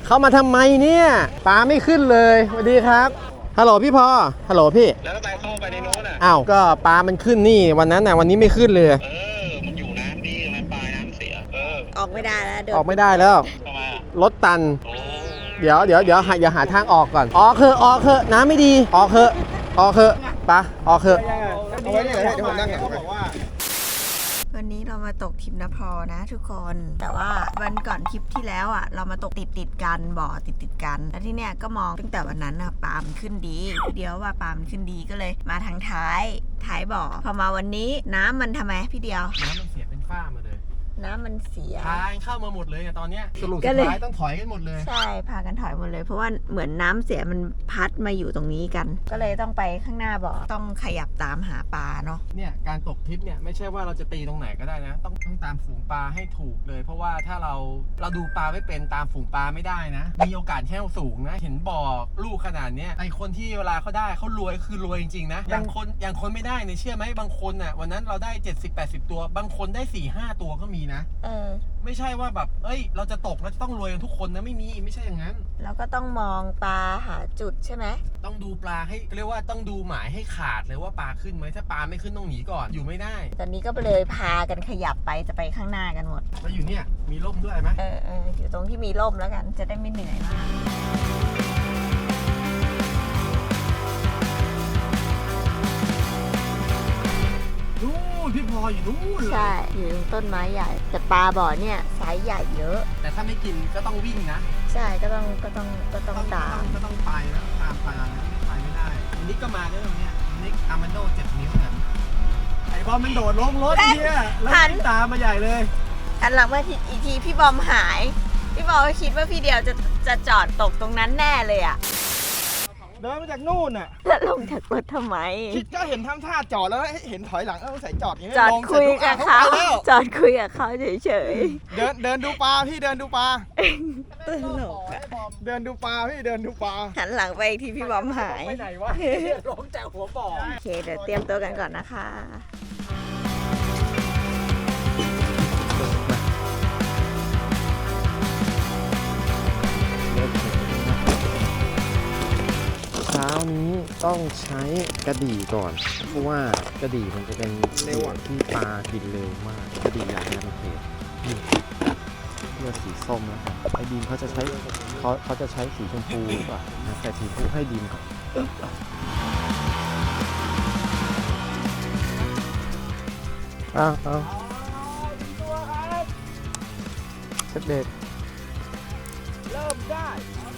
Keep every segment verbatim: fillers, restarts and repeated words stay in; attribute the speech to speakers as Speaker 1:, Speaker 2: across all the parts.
Speaker 1: เข้ามาทำไมเนี่ยปลาไม่ขึ้นเลยสวัสดีครับฮัลโหลพี่พอฮัลโหลพี่
Speaker 2: แล้วทำไมเข้าไปในโน้นอ่ะ
Speaker 1: อ้าวก็ปลามันขึ้นนี่วันนั้นน่ะวันนี้ไม่ขึ้นเลย
Speaker 2: เออมันอยู่น้ำดีมันปลายน้ำเสียเออ
Speaker 3: ออกไม่ได้แล้วเดี๋ยว
Speaker 1: ออกไม่ได้แล้ว
Speaker 2: ทำไมอ่ะ
Speaker 1: รถตัน
Speaker 2: โอ้
Speaker 1: เดี๋ยวเดี๋ยวเดี๋ยวหาอย่าหาทางออกก่อนออกเถอะออกเถอะน้ำไม่ดีออกเถอะออกเถอะปะออกเถอะ
Speaker 4: เอาไว้นี่เลยเดี๋ยวผมนั่งเขาบอกว่า
Speaker 3: วันนี้เรามาตกทริปนภรนะทุกคนแต่ว่าวันก่อนทริปที่แล้วอ่ะเรามาตกติดติดกันบ่อติดติดกันแล้วที่เนี้ยก็มองตั้งแต่วันนั้นอ่ะปลามันขึ้นดีเดี๋ยวว่าปลามันขึ้นดีก็เลยมาทางท้ายท้ายบ่อพอมาวันนี้น้ำมันทำไมพี่เดียว
Speaker 1: น้ำมันเสียเป็นฝ้ามาเลย
Speaker 3: น้ำมันเสีย
Speaker 1: ทางเข้ามาหมดเลยตอนเนี้ยสรุปสุดท้ายต้องถอยกันหมดเลย
Speaker 3: ใช่พากันถอยหมดเลยเพราะว่าเหมือนน้ำเสียมันพัดมาอยู่ตรงนี้กันก็เลยต้องไปข้างหน้าบ่อต้องขยับตามหาปลาเนาะ
Speaker 1: เนี่ยการตกทริปเนี่ยไม่ใช่ว่าเราจะตีตรงไหนก็ได้นะต้องต้องตามฝูงปลาให้ถูกเลยเพราะว่าถ้าเราเราดูปลาไม่เป็นตามฝูงปลาไม่ได้นะมีโอกาสแห้วสูงนะเห็นบ่อลูกขนาดเนี้ยไอคนที่เวลาเขาได้เขารวยคือรวยจริงๆนะอย่างคนอย่างคนไม่ได้เนี่ยเชื่อไหมบางคนอ่ะวันนั้นเราได้เจ็ดสิบ แปดสิบตัวบางคนได้ สี่ห้า ตัวก็มีนะ
Speaker 3: เออ
Speaker 1: ไม่ใช่ว่าแบบเอ้ยเราจะตกแล้วจะต้องรวยกันทุกคนนะไม่มีไม่ใช่อย่างนั้น
Speaker 3: แล้วก็ต้องมองปลาหาจุดใช่ไหม
Speaker 1: ต้องดูปลาให้เรียกว่าต้องดูหมายให้ขาดเลยว่าปลาขึ้นไหมถ้าปลาไม่ขึ้นต้องหนีก่อนอยู่ไม่ได้
Speaker 3: ตอนนี้ก็เลยพากันขยับไปจะไปข้างหน้ากันหมด
Speaker 1: แล้วอยู่เนี่ยมีร่มด้วยไหม
Speaker 3: เออเอออยู่ตรงที่มีร่มแล้วกันจะได้ไม่เหนื่อยมาก
Speaker 1: นู่นพี่พออยู่นู่นเลย
Speaker 3: ใช่อยู่ตรงต้นไม้ใหญ่แต่ปลาบ่อเนี่ยไซส์ใหญ่เยอะ
Speaker 1: แต่ถ้าไม่กินก็ต้องวิ่งนะ
Speaker 3: ใช่ก็ต้องก็ต้องก็ต้องตาม
Speaker 1: ก็ต้องไปนะตามปลานะไม่ไปไม่ได้นิกก็มาด้วยตรงเนี้ยนิกอาร์มันโดเจ็ดนิ้วกันไอ้บอมมันโดดลงรถเนี่ยแล้วตามมาใหญ่เลย
Speaker 3: อันหลังมาอีกทีพี่บอมหายพี่บอมคิดว่าพี่เดียวจะจะจอดตกตรงนั้นแน่เลยอ่ะ
Speaker 4: เดินมาจากนู่นน่ะ
Speaker 3: แล้วลงจากรถทำไม
Speaker 4: คิดก็เห็นทำท่าจอดแล้วเห็นถอยหลังเออใส่จอดอย่างนี้
Speaker 3: จอดคุยกับเขาจอดคุยกับเขาเฉย
Speaker 4: ๆเดินเดินดูปลาพี่เดินดูปลา
Speaker 3: ตลกอะ
Speaker 4: เดินดูปลาพี่เดินดูปลา
Speaker 3: หันหลังไปอีกทีพี่บอมหาย
Speaker 4: ไปไหนวะร้องจากหัวบ่อ
Speaker 3: โอเคเดี๋ยวเตรียมตัวกันก่อนนะคะ
Speaker 1: เช้านี้ต้องใช้กระดี่ก่อนเพราะว่ากระดี่มันจะเป็นเร็วที่ปลากินเร็วมากกระดี่อย่างนี้มันเผ็ดเลือดสีส้มแล้วครับไอ้ดีมเขาจะใช้เขาเขาจะใช้สีชมพูป่ะแต่สีชมพูให้ดีมก่อนอ้าวอ้าวเช็ดเด็ก
Speaker 4: เริ่มได้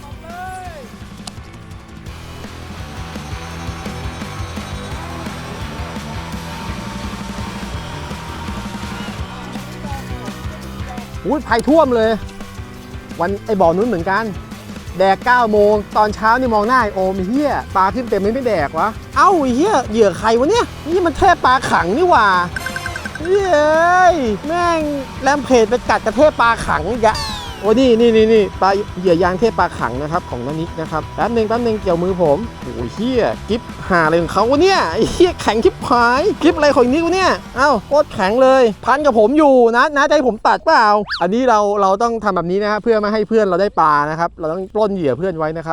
Speaker 1: อุ้ยภัยท่วมเลยวันไอบ่อนู้นเหมือนกันแดกเก้าโมงตอนเช้านี่มองหน้าโอมเฮียปลาขึ้นเต็มไม่ไม่แดกวะเอ้าเฮียเหยื่อใครวะเนี่ยนี่มันเทพปลาขังนี่หว่าเฮ้ยแม่งแรมเพจไปกัดกระเทพปลาขังอีกอะโอ้นี่นี่นี่นี่ปลาเหยื่อยางเทพปลาขังนะครับของน้านิกนะครับแป๊บนึงแป๊บนึงเกี่ยวมือผมโอ้ยเฮียกิ๊บหาอะไรของเขาวะเนี่ยไอ้เฮียแข็งกิ๊บหายกิ๊บอะไรของนี้วะเนี่ยเอ้าโคตรแข็งเลยพันกับผมอยู่นะนะใจผมตัดเปล่าอันนี้เราเราต้องทำแบบนี้นะครับเพื่อไม่ให้เพื่อนเราได้ปลานะครับเราต้องปล้นเหยื่อเพื่อนไว้นะครับ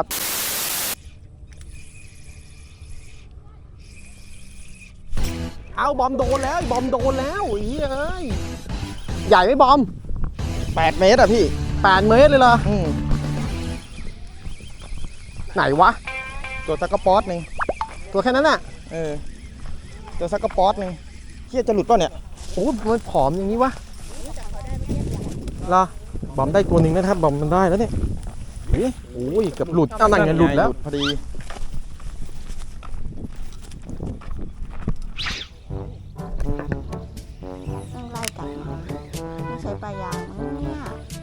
Speaker 1: เอาบอมโดนแล้วบอมโดนแล้วเฮ้ยใหญ่ไหมบอมแปดเมตรอะพี่แปดเมตรเลยเหรอไหนวะ
Speaker 4: ตัวซักกระป๊อตนึง
Speaker 1: ตัวแค่นั้นน่ะ
Speaker 4: เออตัวซักกระป๊อตนึงเฮียจะหลุดป่ะเนี่ย
Speaker 1: โอ้มันผอมอย่างนี้วะเหรอบอมได้ตัวหนึ่งนะครับบอมมันได้แล้วเนี่ยเฮ้ยโอ้ยเกือบหลุดอ้าวนั่นไงหลุดแล้ว
Speaker 4: พอดี
Speaker 3: ต้องไล่กลับมาไม่ใช้ปลายางมั้งเนี่ย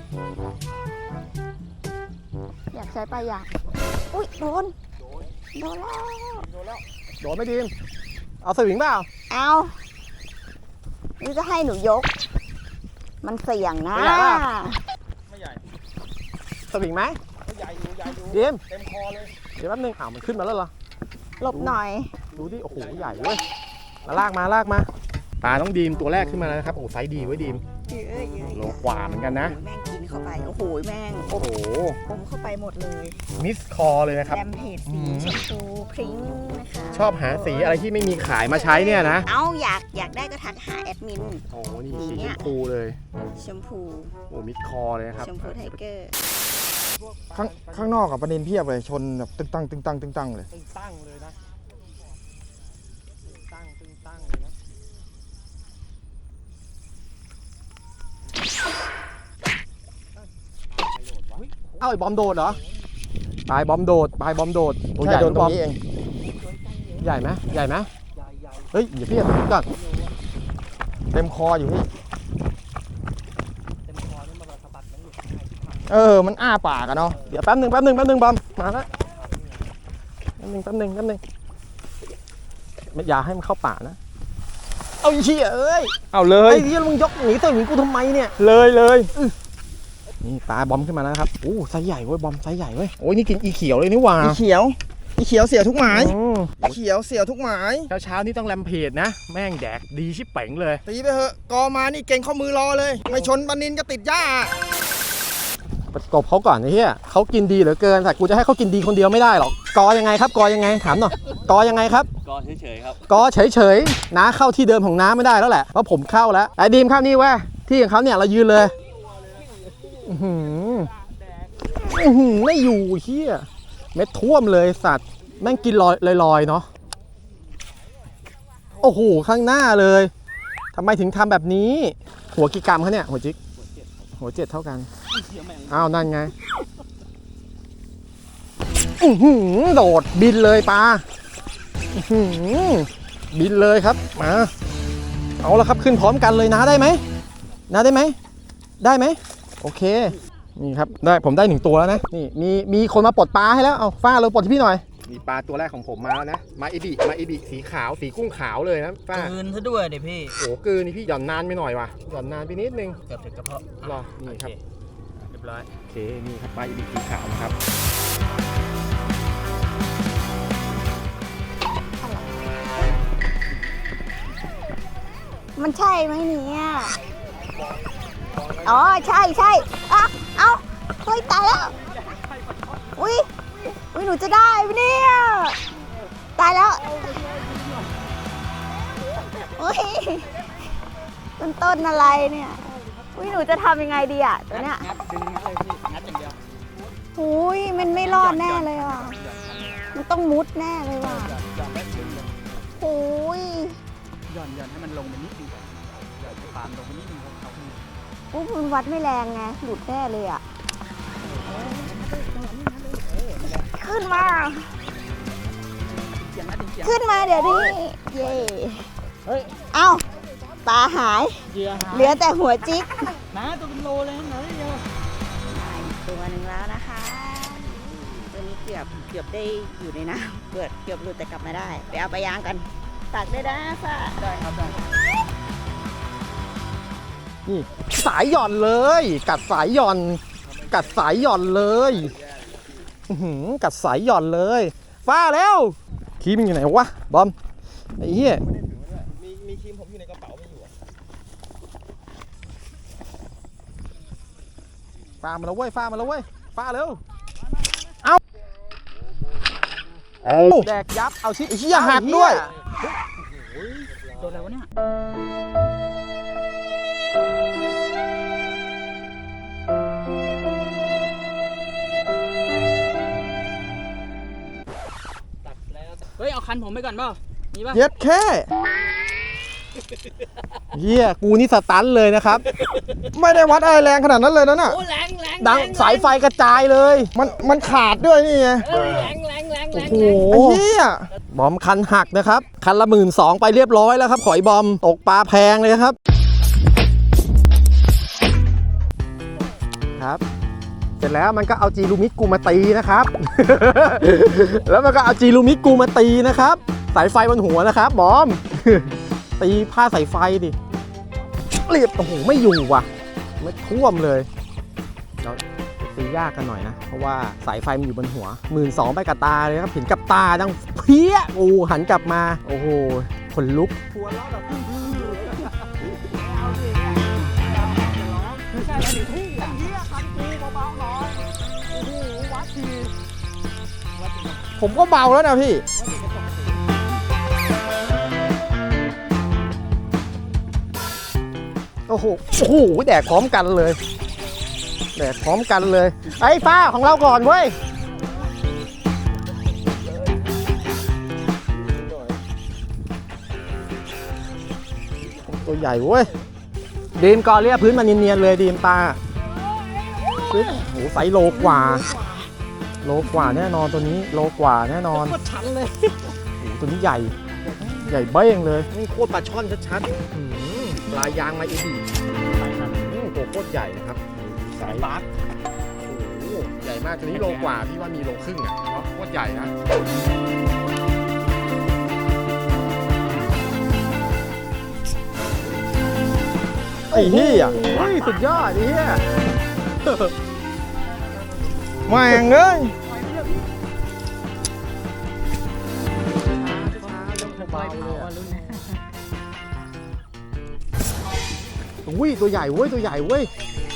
Speaker 3: อยากใช้ปลายางอุ้ยโดนโดนแล้ว
Speaker 4: โดนแล้ว
Speaker 1: โดนไม่ดีเอาสวิงเปล่า
Speaker 3: เอานี่จะให้หนูยกมันเสี่ยงนะ
Speaker 4: ไม่ใหญ่
Speaker 1: สวิงไหม
Speaker 4: ไม่ใหญ่อยู่ใหญ่อยู่
Speaker 1: ดีม
Speaker 4: เต็มคอเลย
Speaker 1: เดี๋ยวแป๊บนึงอ้าวมันขึ้นมาแล้วเหรอ
Speaker 3: หลบหน่อย
Speaker 1: ดูดิโอ้โหใหญ่เว้ยมาลากมาลากมาปลาต้องดีมตัวแรกขึ้นมาแล้วนะครับโอ้ไซส์ดีไว้ดีมโลกว่าเหมือนกันนะ
Speaker 3: แม่งกินขเข้าไปโอ้โหแม่ง
Speaker 1: โอ้โห
Speaker 3: อมเข้าไปหมดเลย
Speaker 1: มิสคอเลยนะครับ
Speaker 3: แรมเพจสีชมพูพริ้งนะคะ
Speaker 1: ชอบหาสีอะไรที่ไม่มีขายมาใช้เนี่ยนะ
Speaker 3: เอ้าอยากอยากได้ก็ทักหาแอดมิน
Speaker 1: โอ้โหนี่
Speaker 3: สี
Speaker 1: สี
Speaker 3: เนี่
Speaker 1: ช
Speaker 3: ย
Speaker 1: มพูเลย
Speaker 3: ชมพู
Speaker 1: โอ้มิสคอเลยนะครับ
Speaker 3: ชมพูไทเกอร์
Speaker 4: ข้างข้างนอกกับประเด็นเพียบเลยชนแบบตึงตังตึงตังตึงตังเลย
Speaker 1: ตึงตั้งเลยนะตึงตั้งตึงตั้งเลยนะเอ้าไอ้บอมโดดเหรอปลายบอมโดดปลายบอมโดดตัวให
Speaker 4: ใช่
Speaker 1: ญ่
Speaker 4: โดน
Speaker 1: นะ
Speaker 4: ตร
Speaker 1: บอม
Speaker 4: งนี้เอง
Speaker 1: ใหญ่ไหมใหญ่ไหมเฮ้ยอย่าเพี้ยนก่อน
Speaker 4: เต็มคออยู่พี่เออมันอ้าปากอะเนาะ
Speaker 1: เดี๋ยวแป๊บหนึ่งแป๊บหนึ่งแป๊บหนึ่งบอมมาแล้วแป๊บหนึ่งแป๊บหนึ่งแป๊บหนึ่งไม่อย่าให้มันเข้าป่านะเอาไอ้เหี้ยเอ้ย
Speaker 4: เอาเล
Speaker 1: ไอ้
Speaker 4: ย
Speaker 1: เหี้ยมึงยกหนีตัวหนีกูทำไมเนี่ย
Speaker 4: เลยเลย
Speaker 1: นี่ปลาบอมขึ้นมาแล้วครับโอ้ไซส์ใหญ่เว้ยบอมไซส์ใหญ่เว้ยโอ้ยนี่กินอีเขียวเลยนี่หว่า
Speaker 4: อีเขียวอีเขียวเสียทุกหมาย
Speaker 1: อืม
Speaker 4: อีเขียวเสียทุกหมาย
Speaker 1: เช้าเช้าๆนี่ต้องแรมเพจนะ แม่งแดกดีชิบเป๋งเลย
Speaker 4: ตีไปเถอะกอมานี่เก่งข้อมือรอเลย ไม่ชนปลานินก็ติดหญ้า
Speaker 1: ประกบเขาก่อนไอ้เหี้ยเขากินดีเหลือเกินแต่กูจะให้เขากินดีคนเดียวไม่ได้หรอกกอยังไงครับกอยังไงถามหน่อยกอยังไงครับ
Speaker 2: กอเฉยๆครับ
Speaker 1: กอเฉยๆน้าเข้าที่เดิมของน้าไม่ได้แล้วแหละเพราะผมเข้าแล้วไอ้ดีมเข้านี่เว้ยที่ของเขาเนี่ยเรายืนเลยอื้อหืออื้อหือไม่อยู่เหี้ยเม็ดท่วมเลยสัตว์แม่งกินลอยลอยๆเนาะโอ้โหข้างหน้าเลยทำไมถึงทำแบบนี้หัวกี่กรัมเขาเนี่ยหัวจิกหัวเจ็ดเท่ากันอ้าวนั่นไงอื้อหือโดดบินเลยปลาอื้อหือบินเลยครับมาเอาละครับขึ้นพร้อมกันเลยนะได้ไหมนะได้ไหมได้ไหมโอเคนี่ครับได้ผมได้หนึ่งตัวแล้วนะนี่มีมีคนมาปลดปลาให้แล้วเอาฟ้าเราปลดที่พี่หน่อยมีปลาตัวแรกของผมมาแล้วนะมาอิบิมาอิบิสีขาวสีกุ้งขาวเลยนะฟ้า
Speaker 5: คืนซะด้วยเดี๋ยวพี่
Speaker 1: โอ้เกินนี่พี่หย่อนนานไปหน่อยว่ะหย่อนนานไปนิดนึง
Speaker 5: เกือบถึงกระเพาะ
Speaker 1: รอนี่ครับ
Speaker 5: เรียบร้อย
Speaker 1: โอเคนี่ครับปลาอิบิสีขาวนะครับ
Speaker 3: มันใช่ไหมเนี่ยอ๋อใช่ใช่อ่ะเอ้าเฮ้ยตายแล้วอุ้ยอุ้ยหนูจะได้ไหมเนี่ยตายแล้วอุ้ยต้นต้นอะไรเนี่ยอุ้ยหนูจะทำยังไงดีอ่ะตัวเนี้ย
Speaker 5: งัดดึงงัดเลยพี่งัดอย่างเดียว
Speaker 3: อุ้ยมันไม่รอดแน่เลยว่ะมันต้องมุดแน่เลยว่ะ
Speaker 5: หย่อนไว้ดึงเลย
Speaker 3: อุ้ย
Speaker 5: หย่อนหย่อนให้มันลงไปนิดนึงก่อนหย่อนให้ปามลงไปนิดนึงเขาเขา
Speaker 3: ปุ๊บมันวัดไม่แรงไงหลุดแน่เลยอ่ะขึ้นมา
Speaker 5: อย่างนั้นเสียง
Speaker 3: ขึ้นมาเดี๋ยวนี้เย่
Speaker 5: เฮ้ย
Speaker 3: เอ้าปลาหาย
Speaker 5: เหยื่อหาย
Speaker 3: เหลือแต่หัวจิก
Speaker 5: นะตัวเป็นโลเลยนะเดียว
Speaker 3: ตัวหนึ่งแล้วนะคะ ตัวนี้เกือบเกือบได้อยู่ในน้ำเกือบเกือบหลุดแต่กลับมาได้ ไปเอาไปยางกันตักได้นะฟ้า
Speaker 5: ได้ครับได้
Speaker 1: นี่สายหย่อนเลย กัดสายหย่อน กัดสายหย่อนเลยอื้อหือกัดสายหย่อนเลยฟ้าแล้วคีมมันอยู่ไหนวะบอมไอ้เหี้ย
Speaker 4: มีมีครีมผมอยู่ในกระเป๋าไม่อยู่อะ
Speaker 1: ฟ้ามาแล้วเว้ยฟ้ามาแล้วเว้ยฟ้าเร็ว
Speaker 4: เอา
Speaker 1: แดกยับเอาชิ
Speaker 4: ไอ้เหี้ยหักด้วย
Speaker 5: ตัวอะไรวะเนี่ยเฮ้ยเอาคันผมไปก่อนเปล่ามีป่ะ
Speaker 4: เย็ดแค่
Speaker 1: เหี้ยกูนี่สตันเลยนะครับ
Speaker 4: ไม่ได้วัดอะไรแรงขนาดนั้นเลยนะน่ะ
Speaker 5: โอ้แรงแรง
Speaker 1: ดังสายไฟกระจายเลย
Speaker 4: มันมันขาดด้วยนี่ไง
Speaker 5: เอ้ยแรงแรงแรงแร
Speaker 1: โอ้
Speaker 5: ง
Speaker 1: โห
Speaker 4: ไอ้เหี้ย
Speaker 1: บอมคันหักนะครับ คันละหมื่นสองไปเรียบร้อยแล้วครับขอยบอมตกปลาแพงเลยครับ ครับ เสร็จแล้วมันก็เอาจีลูมิกูมาตีนะครับ แล้วมันก็เอาจีลูมิกูมาตีนะครับ สายไฟบนหัวนะครับบอม ตีผ้าสายไฟดิเรียบโอ้โหไม่อยู่ว่ะไม่ท่วมเลยเราตียากกันหน่อยนะ เพราะว่าสายไฟมันอยู่บนหัวหมื่นสองไปกับตาเลยครับเห็นกับตาดังเพี้ยโอ้หันกลับมาโอ้โหขนลุก
Speaker 5: หัวเราะแบบไม่ใช่อะไรทุ่งอ่ะ
Speaker 4: ผมก็เบาแล้วนะพี่
Speaker 1: โอ้โห โอ้โห แดกพร้อมกันเลย แดกพร้อมกันเลย ไอ้ฟ้าของเราก่อนเว้ย ตัวใหญ่เว้ย ดีมกอเรียพื้นมันเนียนๆเลยดีมตาพื้นโอ้โหไซส์โลกว่า โลกว่าแน่นอนตัวนี้ โลกว่าแน่นอนโคตรชันเลยโอ้โหตัวนี้ใหญ่ ใหญ่เบ้งเลยนี่โคตรปลาช่อนชัดๆอื้อหือปลายางมาอีดีตัวโคตรใหญ่นะครับสายบาสโอ้โหใหญ่มากตัวนี้โลกว่าพี่ว่ามีโลครึ่งอ่ะเพราะโคตรใหญ่นะไอ้เหี้ยเฮ้ยสุดยอดไอ้เหี้ย
Speaker 4: แม่งเอ้ย
Speaker 1: อุ้ยตัวใหญ่เว้ยตัวใหญ่เว้ย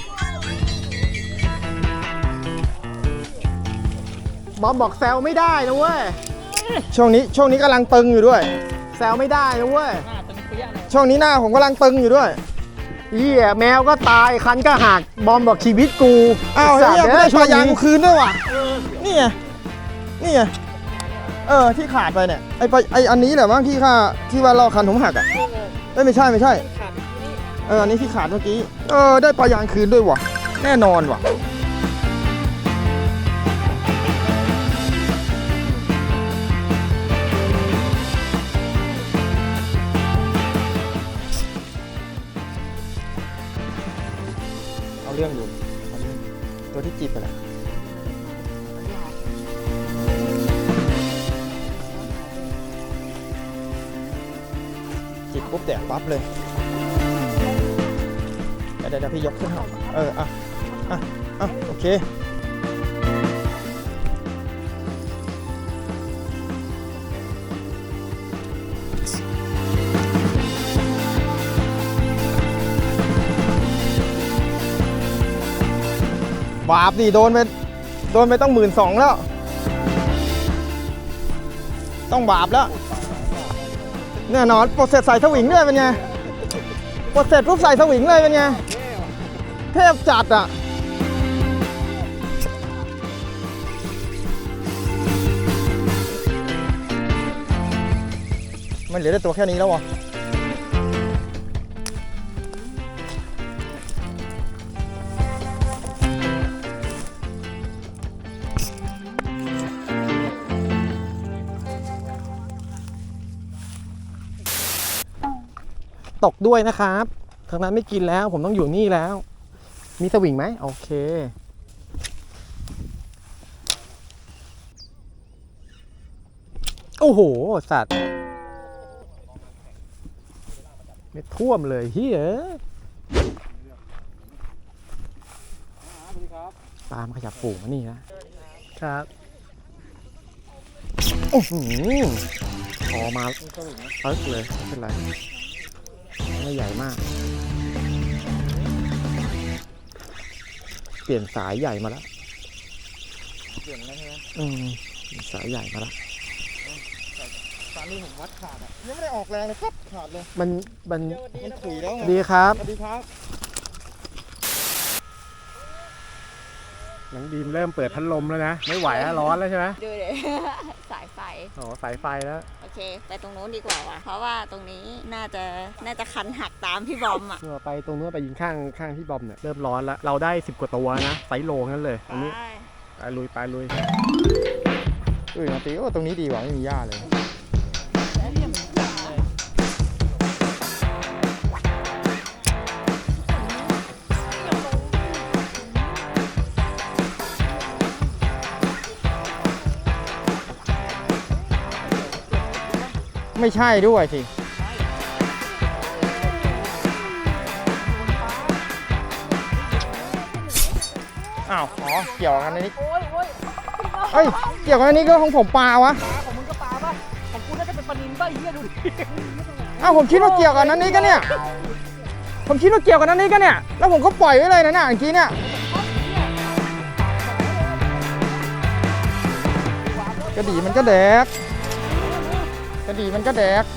Speaker 1: บอมบอกแซวไม่ได้นะเว้ย
Speaker 4: ช่วงนี้ช่วงนี้กำลังตึงอยู่ด้วย
Speaker 1: แซวไม่ได้นะเว้ย
Speaker 4: ช่วงนี้หน้าผมกำลังตึงอยู่ด้วย
Speaker 1: เหี้ยแมวก็ตายคันก็หักบอมบอกชีวิตกู
Speaker 4: อ้าว
Speaker 1: สัต
Speaker 4: เฮีย
Speaker 1: ว์
Speaker 4: ไม่ได้
Speaker 1: ช่
Speaker 4: ป
Speaker 1: ว
Speaker 4: ลาง ยาง
Speaker 1: นี้
Speaker 4: กูคืนด้วยว่ะนี่ไงนี่ไงเออที่ขาดไปเนี่ยไอปลาไออันนี้แหละมั้งที่ค่าที่ว่าลอกคันผมหักอ่ะเอ้ยไม่ใช่ไม่ใช่เอออันนี้ที่ขาดเมื่อกี้เออได้ปลายางคืนด้วยว่ะแน่นอนว่ะเอาเรื่องอยู่เอาเรื่องตัวที่จีบไปแหละจิบปุ๊บแดกปั๊บเลยเดี๋ยวเดี๋ยวพี่ยกขึ้นให้เอออ่ะอ่ะอ่ะโอเคบาปดิโดนไปโดนไปต้องหมื่นสองแล้วต้องบาปแล้วแน่นอนปลดเสร็จใส่สวิงด้วยเป็นไงปลดเสร็จปุ๊บใส่สวิงเลยเป็นไงเทพจัดอ่ะมันเหลือแต่ตัวแค่นี้แล้ววะ
Speaker 1: ตกด้วยนะครับทางนั้นไม่กินแล้วผมต้องอยู่นี่แล้ว มีสวิงไหมโอเคโอ้โหสัตว์ไม่ท่วมเลยเฮ้ยตามขยับฝูงมานี่นะครับโอ้โหพอมาเอิ๊กเลยไม่เป็นไรไม่ใหญ่มากเปลี่ยนสายใหญ่มาแล้วเปลี่ยนแล้วใช่ไหมอืมสายใหญ่มาแล้ว
Speaker 4: สายนี้ผมวัดขาดอ่ะยังไม่ได้ออกแรงเลยครับขาดเลย
Speaker 1: มันมัน
Speaker 4: มันถุยแล้วไง
Speaker 1: ดีครับ
Speaker 4: สวัสดีครับ
Speaker 1: น้องดีมเริ่มเปิดพัดลมแล้วนะไม่ไหวแล้วร้อนแล้วใช่ไหม
Speaker 3: ดูเดี๋ยวสายไฟ
Speaker 1: อ๋อสายไฟแล้ว
Speaker 3: โอเคไปตรงนู้นดีกว่าว่ะเพราะว่าตรงนี้น่าจะน่าจะคันหักตามพี่บอมอ่ะ
Speaker 1: เมื่อไปตรงนู้นไปยิงข้างข้างที่บอมเนี่ยเริ่มร้อนแล้วเราได้สิบกว่าตัวนะไซส์โลนั่นเลยอันนี้ไปลุยไปลุย
Speaker 4: เอ้ยมาตีโอ้ตรงนี้ดีกว่าไม่มีหญ้าเลยไม่ใช่ด้วยสิอ้าวอ๋อเกี่ยวกันในนี้เอ้ยเกี่ยวกันในนี้ก็ของผมปลาวะของมึงก็ปลาป่ะของกูน่าจะเป็นปลานิลป่ะเหี้ยดูดิอ้าวผมคิดว่าเกี่ยวกันนั้นนี้กันเนี่ยผมคิดว่าเกี่ยวกันนั้นนี้กันเนี่ยแล้วผมก็ปล่อยไว้เลยนะเนี่ยเมื่อกี้เนี่ยกระดี่มันก็แดกกระดี่มันก็แดก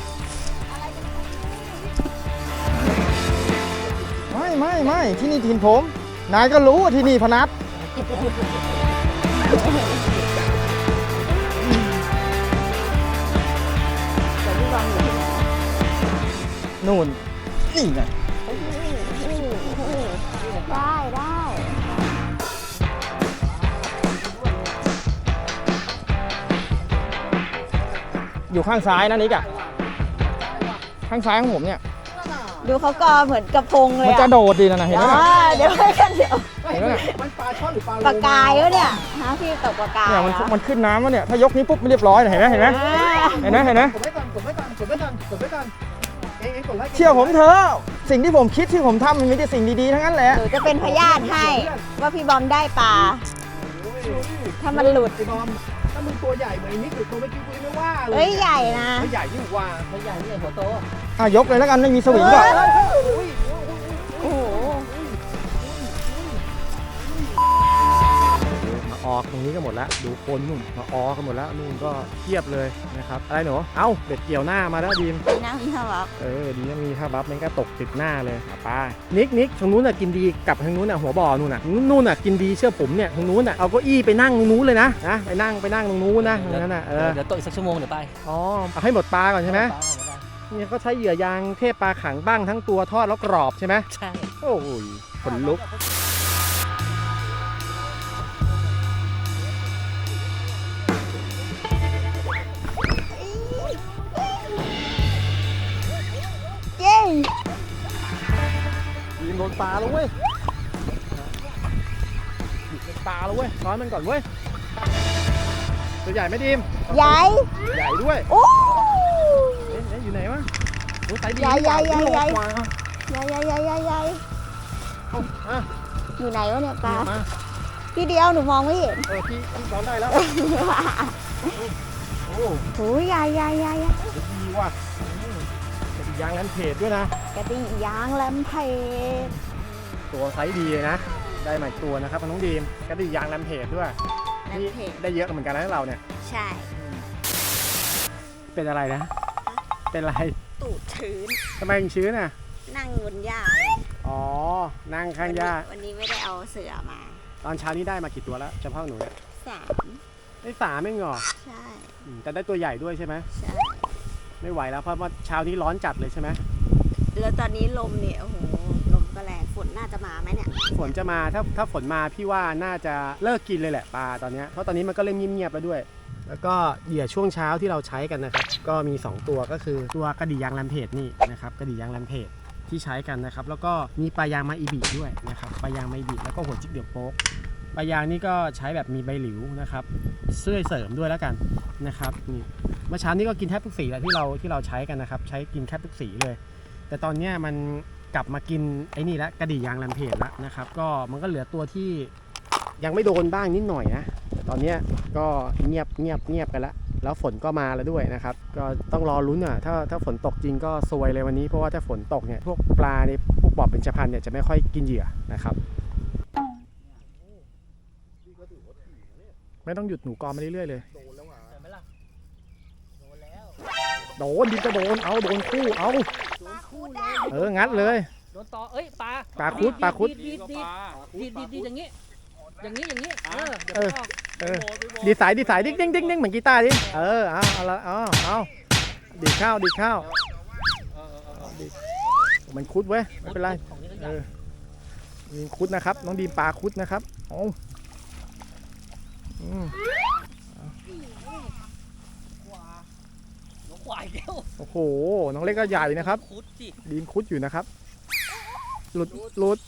Speaker 4: ไม่ไม่ไม่ที่นี่ถิ่นผมนายก็รู้ว่าที่นี่พนัสนู่นนี่ไง
Speaker 3: ได้ได้
Speaker 4: อยู่ข้างซ้ายนะนิกอะข้างซ้ายของผมเนี่ย
Speaker 3: ดูเขากอเหมือนกระพงเลย
Speaker 4: มัน
Speaker 3: อ่ะ
Speaker 4: จะโดดดีนะนะเห็นไหม
Speaker 3: อ่าเดี๋ยวให้กันเดี๋ยว
Speaker 4: เห็นไหม
Speaker 1: มันปลาช่อนหรือปลาโล
Speaker 3: ปากกายวะเนี่ยฮะพี่ตกปากกาย
Speaker 4: เนี่ยมัน
Speaker 3: เหรอ
Speaker 4: มันขึ้นน้ำแล้วเนี่ยถ้ายกนี้ปุ๊บไม่เรียบร้อยเห็นไหมเห็นไหม
Speaker 3: อ่า
Speaker 4: เห็นไหมเห็นไหม
Speaker 1: กดไว้ก่อนกดไว้ก่อนกดไว้ก่อนกดไว้ก่อนเองเองกดไว้
Speaker 4: เชื่อผมเถอะสิ่งที่ผมคิดที่ผมทำมันมีแต่สิ่งดีๆทั้งนั้นแหละ
Speaker 3: หนูจะเป็นพยานให้ว่าพี่บอมได้ปลา ถ้ามันหลุด
Speaker 1: ไอ้บอมถ้ามึงตัวใหญ่เหมือนนี้ตัวเมื่อกี้กูยังไม่ว่าเลย
Speaker 3: เฮ้ยใหญ่นะ
Speaker 1: ไม่ใหญ่ยิ่งกว่าไม่ใหญ่นี่หัวโต
Speaker 4: อ่ะยกเลยแล้วกันไม่มีสวิงด้วย
Speaker 3: โอ้โห
Speaker 1: มาออกตรงนี้ก็หมดแล้วดูคนนู่นมาออกกันหมดแล้วนู่นก็เทียบเลยนะครับอะไรหนูเอ้าเบ็ดเกี่ยวหน้ามาแล้วดีม
Speaker 3: นั่งที่เขาบอก
Speaker 1: เออดีนะมีท่าบัฟมันก็ตกติดหน้าเลยอ่ะป้านิกนิกทางนู้นน่ะกินดีกับทางนู้นน่ะหัวบ่อนู่นน่ะนู่นน่ะกินดีเชื่อผมเนี่ยทางนู้นน่ะเอาเก้าอี้ไปนั่งตรงนู้นเลยนะนะไปนั่งไปนั่งตรงนู้นนะตรงนั้นน่ะเออ
Speaker 5: เดี๋ยวโตอีกสักชั่วโมงเดี๋ยวไป
Speaker 1: อ๋อเอาให้หมดปลาก่อนใช่ไหม
Speaker 5: ปลาก่อนก็ได้
Speaker 1: เนี่ยก็ใช้เหยื่อยางเทพปลาขังบ้างทั้งตัวทอดแล้วกรอบใช่ไหม
Speaker 5: ใช่
Speaker 1: โอ้ยขนลุก
Speaker 3: เย้
Speaker 1: ดีมโดนปลาแล้วเว้ยโดนปลาแล้วเว้ยช้อนมันก่อนเว้ยตัวใหญ่ไหมดีม
Speaker 3: ใหญ่
Speaker 1: ใหญ่ด้วย
Speaker 3: โอ้
Speaker 1: เอ๊ะเอ๊ะอยู่ไหนวะโอ้ไซส์ดี
Speaker 3: ใหญ่ใหญ่ใหญ่ใหญ่
Speaker 1: กว่า
Speaker 3: ใหญ่ใหญ่ใหญ่ใหญ่ใหญ่
Speaker 1: เอาอ่ะ
Speaker 3: อยู่ไหนวะเนี่ยปลา
Speaker 1: มา
Speaker 3: พี่เดียวหนูมองไม่เห็น
Speaker 1: เออพี่พี่ช้อนได้แล้วโอ้
Speaker 3: โอ้ยใหญ่ใหญ่ใหญ่ใหญ่
Speaker 1: ดีว่ะอืมจะมียางนั้นเพจด้วยนะ
Speaker 3: กระดิ่งยางแลมเพจ
Speaker 1: ตัวไซส์ดีเลยนะ ได้ใหม่ตัวนะครับน้องดีมก็ได้ยางแรมเพจด้วย
Speaker 3: แลม
Speaker 1: นี่
Speaker 3: เพจ
Speaker 1: ได้เยอะเหมือนกันนะเราเนี่ย
Speaker 3: ใช่
Speaker 1: เป็นอะไรนะ เป็นอะไร
Speaker 3: ตูดชื้น
Speaker 1: ทำไมถึงชื้นอ่ะ
Speaker 3: นั่งบนหญ้า
Speaker 1: อ๋อ นั่งข้างหญ้า
Speaker 3: วันนี้ไม่ได้เอาเสือมา
Speaker 1: ตอนเช้านี้ได้มากี่ตัวแล้วเฉพาะหนูเนี่ย
Speaker 3: สาม
Speaker 1: ได้สามเองเหรอ
Speaker 3: ใช่
Speaker 1: อืมแต่ได้ตัวใหญ่ด้วยใช่ไหม
Speaker 3: ใช่
Speaker 1: ไม่ไหวแล้วเพราะว่าเช้านี้ร้อนจัดเลยใช่ไหม
Speaker 3: แล้วตอนนี้ลมเนี่ยโอ้โหลมก็แรงฝนน่าจะมาไหมเนี่ย
Speaker 1: ฝนจะมาถ้าถ้าฝนมาพี่ว่าน่าจะเลิกกินเลยแหละปลาตอนเนี้ยเพราะตอนนี้มันก็เริ่มเงียบๆแล้วด้วย แล้วก็เหยื่อช่วงเช้าที่เราใช้กันนะครับก็มีสองตัวก็คือตัวกระดี่ยางแรมเพจนี่นะครับกระดี่ยางแรมเพจที่ใช้กันนะครับแล้วก็มีปลายางมาอีบีด้วยนะครับปลายางมาอีบีแล้วก็หัวจิกเดี่ยวโป๊กปลายางนี่ก็ใช้แบบมีใบหลิวนะครับช่วยเสริมด้วยแล้วกันนะครับนี่เมื่อเช้านี้ก็กินแทบทุกสีแล้วที่เราที่เราใช้กันนะครับใช้กินแทบทุกสีเลย แต่ตอนเนี้ยมันกลับมากินไอ้นี่แล้วกระดี่ยางแรมเพจแล้วนะครับก็มันก็เหลือตัวที่ยังไม่โดนบ้างนิดหน่อยนะแต่ตอนเนี้ยก็เงียบเงียบเงียบกันแล้วแล้วฝนก็มาแล้วด้วยนะครับก็ต้องรอลุ้นอ่ะถ้าถ้าฝนตกจริงก็ซวยเลยวันนี้เพราะว่าถ้าฝนตกเนี่ยพวกปลาในพวกบ่อเบญจพรรณเนี่ยจะไม่ค่อยกินเหยื่อนะครับไม่ต้องหยุดหนูกอมาเรื่อยๆเลยโดนดินก็โดนเอาโดนคู่เอาเอองัดเลย
Speaker 5: โดนต่อเอ้ยปลา
Speaker 1: ปลาคุดปลาคุด
Speaker 5: ดีดดีดดีดดีดดีดอย่างงี้ อย่างงี้อย่างงี้เออเดี๋ยว
Speaker 1: เออ
Speaker 5: ออก
Speaker 1: เออดีสายดีสายดิ้งดิ้งดิ้งดิ้งเหมือนกีตาร์ดิเออเอาเอาละเอาเอาดีดข้าวดีดข้าวดีดมันคุดเว้ยไม่เป็นไร
Speaker 5: ของนี้ก็ให
Speaker 1: เอ
Speaker 5: ญ่
Speaker 1: อมีคุดนะครับน้องดีมปลาคุดนะครับโอ้อืม
Speaker 5: หัวควายแก้ว
Speaker 1: โอ้โหน้องเล็กก็ใหญ่นะครับ
Speaker 5: คุดสิ
Speaker 1: ดีมคุดอยู่นะครับหลุดหลุด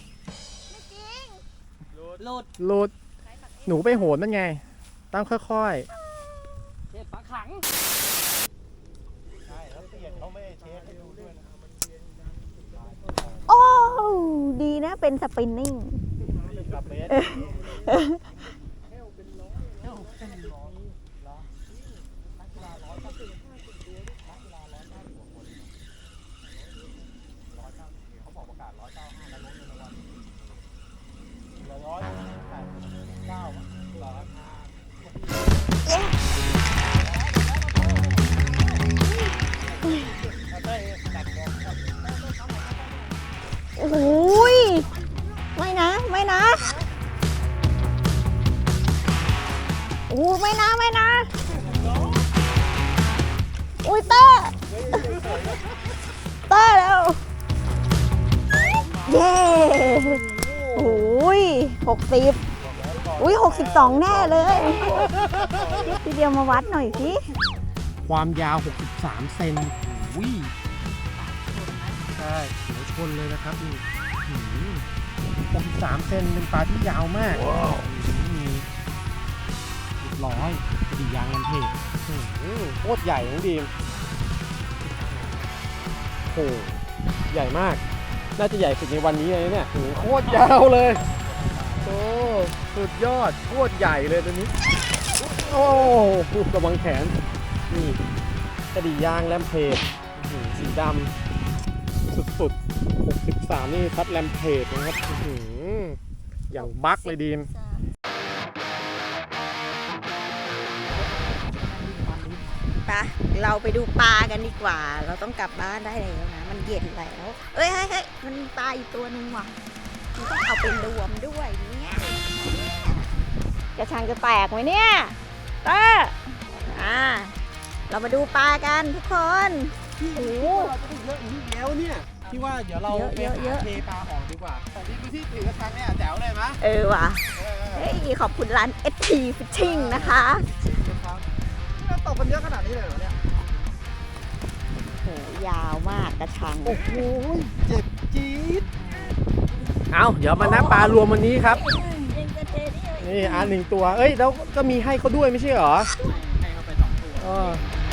Speaker 5: โลด
Speaker 1: หลุดหนูไปโหนมันไงต้องค่อย
Speaker 5: เทปปลาขัง
Speaker 3: โอ้ดีนะเป็นสปินนิ่ง
Speaker 1: ๆ
Speaker 3: อู้ไม่นะไม่นะอุ้ยเต้เต้แล้วเย้โอ้ยหกสิบอุ้ยหกสิบสองแน่เลยพี่เดียวมาวัดหน่อยสิ
Speaker 1: ความยาวหกสิบสามเซนอุ้ยใช่หัวชนเลยนะครับนี่หกสิบสามเซนเป็นปลาที่ยาวมากเรียบร้อยกระดิ่งยางลำเพจโคตรใหญ่น้องดีมโอ้ใหญ่มากน่าจะใหญ่สุดในวันนี้เลยเนี่ยโอ้โคตรยาวเลยโอ้สุดยอดโคตรใหญ่เลยตัวนี้โอ้ระวังแขนนี่กระดิ่งยางแลมเพจสีดำสุดๆหกสิบสามนี่พัดแลมเพจนะครับอย่างบั๊กเลยดีม
Speaker 3: ไปเราไปดูปลากันดีกว่า เราต้องกลับบ้านได้แล้วนะ มันเย็นแล้วเอ้ยเฮ้ยเฮ้ยมันมีปลาอีกตัวหนึงว่ะมันต้องเอาไปรวมด้วยเนี่ยกระชังจะแตกไหมเนี่ยเต้อ่าเรามาดูปลากันทุกคนโอ้โห
Speaker 1: เราจะได้เยอะอย่างนี้แล้วเนี่ยที่ว่าเดี๋ยวเรา
Speaker 3: เยอะ
Speaker 1: ไป
Speaker 3: เยอะเย
Speaker 1: หา
Speaker 3: อะ
Speaker 1: เทปลาออกดีกว่าแต่นี่คือที่ถือกระชังเนี่ยแจ๋วเลยมะ
Speaker 3: เออว่ะเฮ้ยขอบคุณร้าน เอส ที Fishing นะคะ
Speaker 1: ครับเราตกกันเยอะขนาดนี้เลยเหรอเนี่ย
Speaker 3: โหยาวมากกระชัง
Speaker 1: โอ้โหเจ็บจี๊ดเอาเดี๋ยวมานับปลารวมวันนี้ครับนี่อันหนึ่งตัวเอ้ยแล้วก็มีให้เขาด้วยไม่ใช่เหรอ
Speaker 5: ให้เขาไปสองตัว
Speaker 1: เออ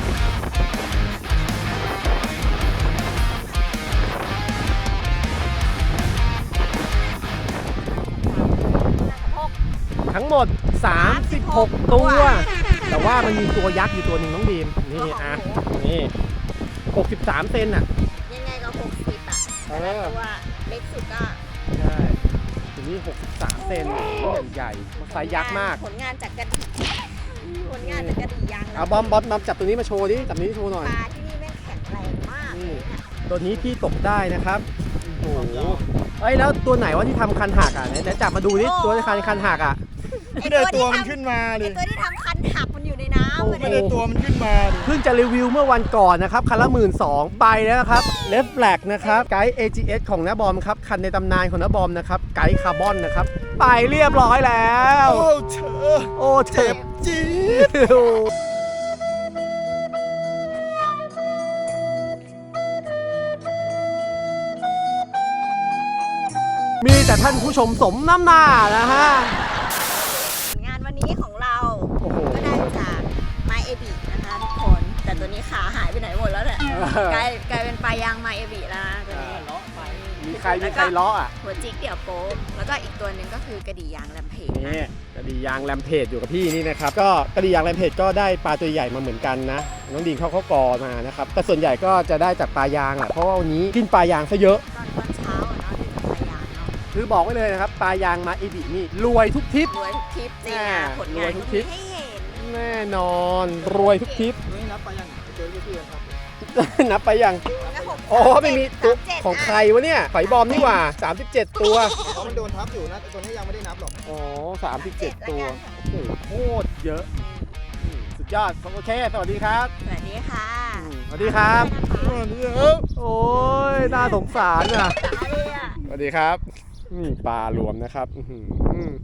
Speaker 1: ทั้งหมดสามสิบหกตัว แต่ว่ามันมีตัวยักษ์อยู่ตัวหนึ่งน้องบีมนี่อ่ะนี่หกสิบสามเซนอ่ะ
Speaker 3: ยังไงก็หกสิบอ่ะ
Speaker 1: เออ
Speaker 3: ตัวเล็กสุดก็
Speaker 1: ใช่ตัวนี้หกสิบสามเซนนี่ใหญ่ไซส์ยักษ์มาก
Speaker 3: ผลงานจากกระดิ่งผลงานจากกระดิ่งยาง
Speaker 1: เอาบอมบอมบอมจับตัวนี้มาโชว์ดิจับนี้โชว์หน่อย
Speaker 3: ปลาที่นี่แม่งแข็งแรงมากเลยเนี่ย
Speaker 1: ตัวนี้พี่ตกได้นะครับโอ้โหเอ้ยแล้วตัวไหนว่าที่ทำคันหักอ่ะไหนไหนจับมาดูดิตัวที่คันคันหักอ่ะ
Speaker 5: ไม่ได้ตัวมันขึ้นมาเล
Speaker 3: ไอย ตัวที่ทำคันหักมันอยู่ในน้ำ
Speaker 1: โอ้
Speaker 3: มัน
Speaker 5: ไม่
Speaker 3: เนี่ย
Speaker 5: ได้ตัวมันขึ้นมาเลย
Speaker 1: เพิ่งจะรีวิวเมื่อวันก่อนนะครับคันละหมื่นสองไปแล้วนะครับเลฟแฟลกนะครับไกด์ เอ จี เอส ของน้าบอมครับคันในตำนานของน้าบอมนะครับไกด์คาร์บอนนะครับไปเรียบร้อยแล้ว
Speaker 5: โอ้เธอ
Speaker 1: โอ้เจ็บ
Speaker 5: จี๊ด
Speaker 1: มีแต่ท่านผู้ชมสมน้ำหน้านะฮะ
Speaker 3: ผลงานวันนี้ของเรา
Speaker 1: โอ้โห
Speaker 3: ก็ได้จากไมเอบินะคะทุกคน แต่ตัวนี้ขาหายไปไหนหมดแล้วเนี่ย
Speaker 1: เออก
Speaker 3: ลายกลายเป็นปลายางไมเอบิแล้วนะตัวนี้
Speaker 1: มีใครมีใครล้ออ่ะ
Speaker 3: หัวจิกเดี่ยวโป๊กแล้วก็อีกตัวหนึ่งก็คือกระดี่ยางแลมเพจนะ
Speaker 1: นี่กระดี่ยางแรมเพจอยู่กับพี่นี่นะครับก็กระดี่ยางแรมเพจก็ได้ปลาตัวใหญ่มาเหมือนกันนะน้องดีนเขาเขากอมานะครับแต่ส่วนใหญ่ก็จะได้จากปลายางแหละเพราะว่าวันนี้กินปลายางซะเยอะ
Speaker 3: ตอนตอนเช้าอะเนาะที่จะปลายางเนาะ
Speaker 1: คือบอกไว้เลยนะครับปลายางมาเอบินี่รวยทุกทริป
Speaker 3: รวยทุกทริปจริง
Speaker 1: อ่า
Speaker 3: อ่ะผลงาน
Speaker 1: รวยทุกทริป
Speaker 3: ให้เห็น
Speaker 1: แน่นอนรวยทุกทริป
Speaker 5: ไม่นับไปยังเจอพี่ครับ
Speaker 1: นับไปยัง
Speaker 3: แล้วหก
Speaker 1: อ๋อไม่มีตัว
Speaker 3: สาเจ็ด
Speaker 1: ของใครวะเนี่ยไฝบอมนี่หว่าสามสิบเจ็ดตัว
Speaker 5: เพราะมันโดนทับอยู่นะแต่ตัวนี้ยังไม่ได้นับหรอก
Speaker 1: อ๋อสามสิบเจ็ดตัวโอ้โหโคตรเยอะอืมสุดยอดโอเคสวัสดีครับ
Speaker 3: สวัสดีค่ะ
Speaker 1: อืมสวัสดีครับ โอ้ยน่าสงสารอ่ะ
Speaker 3: สวัสดีค่ะ
Speaker 1: สวัสดีครับนี่ปลารวมนะครับอื้อหือ